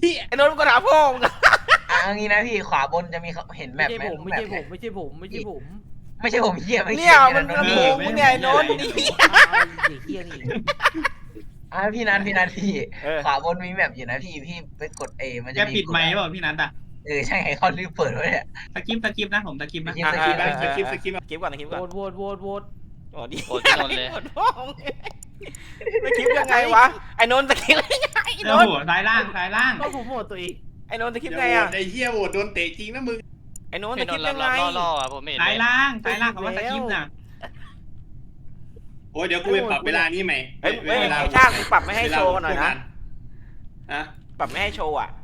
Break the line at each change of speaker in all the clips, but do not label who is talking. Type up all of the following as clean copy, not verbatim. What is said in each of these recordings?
ไอ้โน้ตมึงก็ถามพ่อมึง
เอางี้นะพี่ขวาบนจะมีเห็นแบ
ไม่
บ
ใช่
ไหม
ผมไม่ใช่ผมไม่ใช่ผมไม่ใช่ผม
ไม่ใช่ผมเหี้ยไม่
เนี่
เกี่
ย
ยว
มัน
นะ
ลำ
พี่
โพงมึงเนี่ยไอ้โน้ตนี่
เด็กเฮี้ยนี่
พี่นัทพี่
เออ
ขวาบนมีแบบอยู่นะพี่ไปกดมัน
แก
จะมี
ปิดไมค์เปล่าพี่นัทอ่ะ
ใช่ไงเขาลืมเปิดไว้เนี่ย
สกิปนะผมสกิปนะ
สกิป
สกิปก่อนสกิปก่อน
โหวต
อ๋อดี
โหวตพี่นนท์เลย
โหวตพ่อมึงสกิปยังไงวะไอ้โน้ตสกิปยังไงไอ้
โอ้
โน้ต
โหซ้ายล่าง
ก็ผมโหวตตัวเอง
ไอ้โน้ตสกิปไงอ่ะ
ไอ้เหี้ยโหวตโดนเตะจริงนะมึง
ไอ้โน้ตส
พี่น
กิ
น
ป
ท์
ยังไง
ล่อๆอ่ะผมไม่เห็น
ซ้ายล่างคำว่าสกิปน่ะ
โอ้ยเดี๋ยวกูไปปรับเวลานี้ใหม่
เฮ้ย
เวลา
ไอ้ช่างมึงปรับไม่ให้โชว์หน่อยนะ
อะ
ปรับไม่ให้โชว์อ่ะ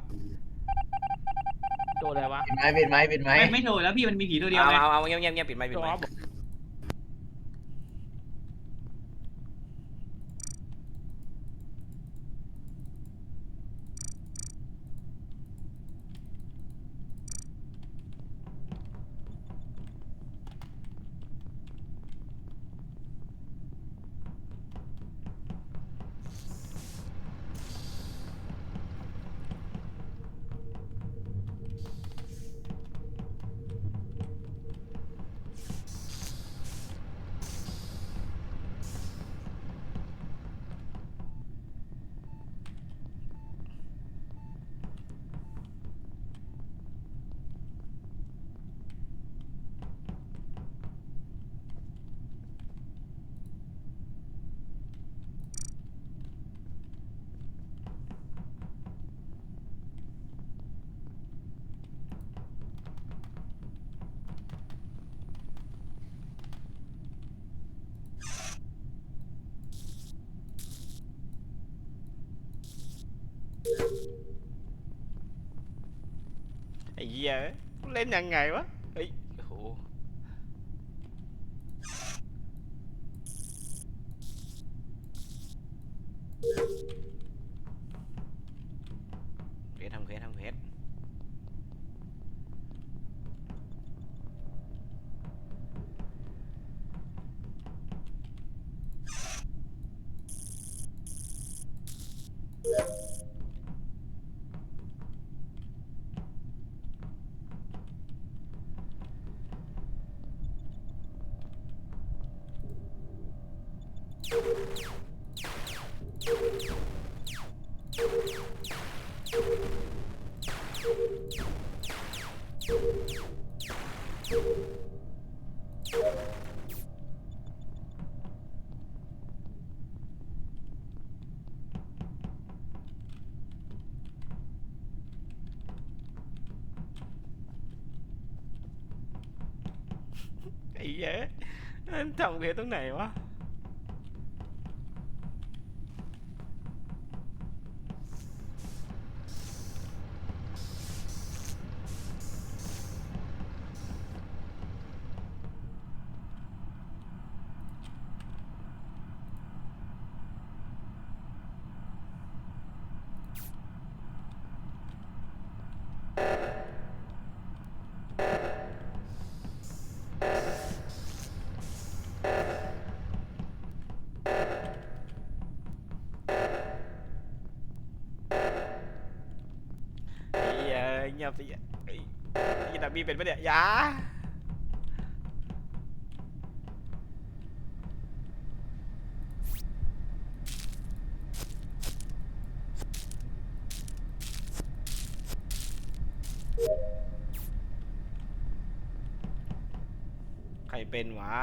โดนอะไรวะ
ปิดไม้
ไม่โดนแล้วพี่มันมีผีตัวเดียว
เอา
ไง
เอาเงียบปิดไมค์
จอบ
ไอ้เหี้ยเล่นยังไงวะเฮ้ยโอ้โหทำเควสไอ้เหี้ยมันทำเควสตรงไหนวะไอ้เหี้ยเงียบสิไอ้ยี่ดับบี้เป็นปะเนี่ยยาใครเป็นวะ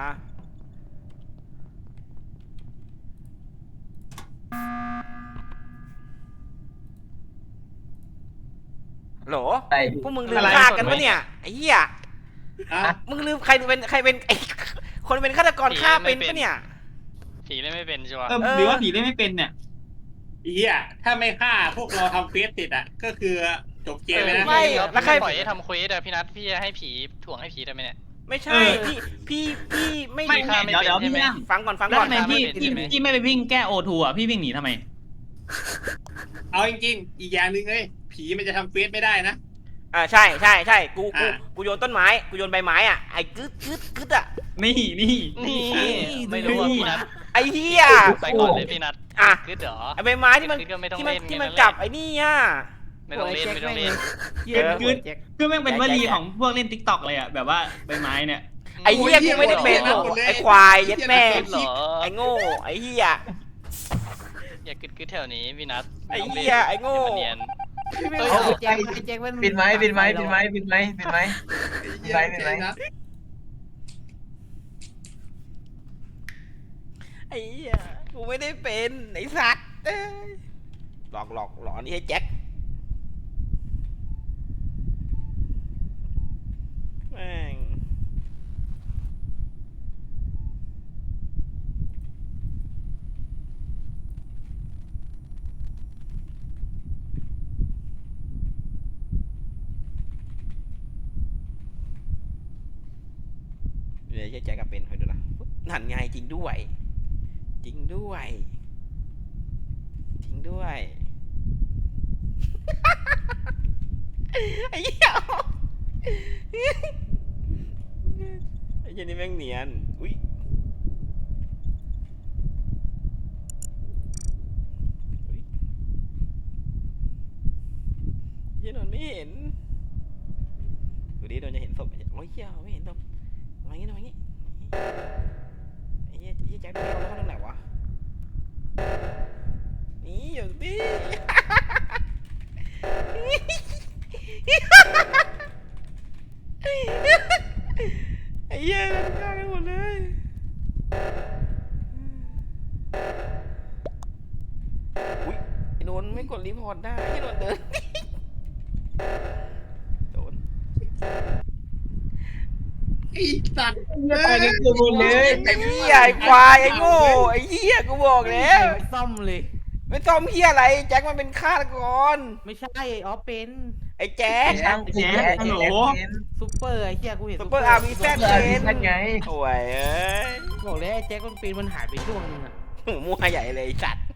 โหล
ใช่
พวกมึงลืมฆ่ากันปะเนี่ยไอ้เหี้ย
อะ
มึงลืมใครเป็นไอ้คนเป็นฆาตกรฆ่าเป็นปะเนี่ย
ผีเล่นไม่เป็นชัวร์
หรือว่าผีเล่นไม่เป็นเนี่ย
ไอ้เหี้ยถ้าไม่ฆ่าพวกเราทำเควสติดอ่ะก็คือจบเกมเลยนะ
ไม่ แล้วใคร
ปล่อยให้ทำเควสอะพี่นัทพี่จะให้ผีถ่วงให้ผีได้ไหมเนี่ย
ไม่ใช่
เออ
พี่ไม่
ไม่
ฆ่าไม่
เดี๋ยว
เป็น
พี่
ใช่ไหม
นั่ง
ฟังก่อน
แล้ว
ก่อน
ทำไมพี่ไม่ไปวิ่งแก้โอทูอ่ะพี่วิ่งหนีทำไม
เอาจริงๆอีกอย่างหนึ่งเลยผีมันจะทำเควสไม่ได้นะ
ใช่กู
อ่ะ
กูโยนต้นไม้กูโยนใบไม้อ่ะไอ้กึดอ่ะ
นี่
นี่ไม่รู้ว่าพี่นัท
ไอ้เหี้ย
ไปก่อนเลยพี่นัท
อ่ะ
คือเดี๋ยว
ไอ้ใบไม้ที่มัน
คือก็ไม่ต้อง
ที่
เล่น
มัน
แค่นั้นแหละ
จับไอ้นี่อ่ะ
ไม่ต้องเล่นไม่ต้องเล่น
เหี้ยโหวตแจ็ค
คือแม่งเป็นวลีของพวกเล่นติ๊กต็อกเลยอ่ะแบบว่าใบไม้เนี่ย
ไอ้เหี้ยกูไม่ได้เป็นหรอกไอ้ควายยัดแม่
เหรอ
ไอ้โง่ไอ้เหี้ย
อย่ากึดแถวนี้พี่นัท
ไอ้เหี้ยไอ้โง่
อย่ามาเนียน
พี่ไม่เอาแจ็คไอ้แจ็คมัน
ปิดไม้ปิดไม้ปิดไม้ปิดไม้ปิดไม้ เป็นไร
ไอ้เหี้ยกูไม่ได้เป็นไอ้สัตว์เอ้ยหลอกนี่ให้แจ็คแม่งเดี๋ยวแจ็คก็เป็นคอยดูนะนั่นไงจริงด้วย จริงด้วย จริงด้วย ไอ้เหี้ยไอ้เหี้ยนี่แม่งเนียน อุ้ยอุ๊ยเหี้ยนนท์ไม่เห็นดูดิโดนจะเห็นศพโอ้ยเหี้ยไม่เห็นศพมาอย่างงี้มาอย่างงี้ไอ้เหี้ยแจ็คดูดิเอาแล้วเขาตรงไหนวะ นี่อย่างนี้ ไอ้เหี้ยมันฆ่ากันหมดเลยอุ้ยไอ้โดนไม่กดรีพอร์ตได้ไอ้โดนเดิน โดน
ไอ้สัตว์
ไปกันกูหมดเลย
ไอ้เหี้ยไอ้ควายไอ้โง่ไอ้เหี้ยกูบอกแล้ว
ซ่อมเลย
ไม่ต้องเหี้ยอะไรแจ็คมันเป็นฆาตกร
ไม่ใช่ไอ้ออฟเป็น
ไอ้แจ็ค
ช่างกูแย่
ซูเปอร์ไอ้เหี้ยกูเห็น
ซุปเปอร์อาร์มีแซด
เออ
เป็น
นั่นไง
โอ้ยเอ้ย
บอกแล้วไอ้แจ็คมันเป็นมันหายไปช่วงนึงอะ
มั่วใหญ่เลยไอ้สัตว์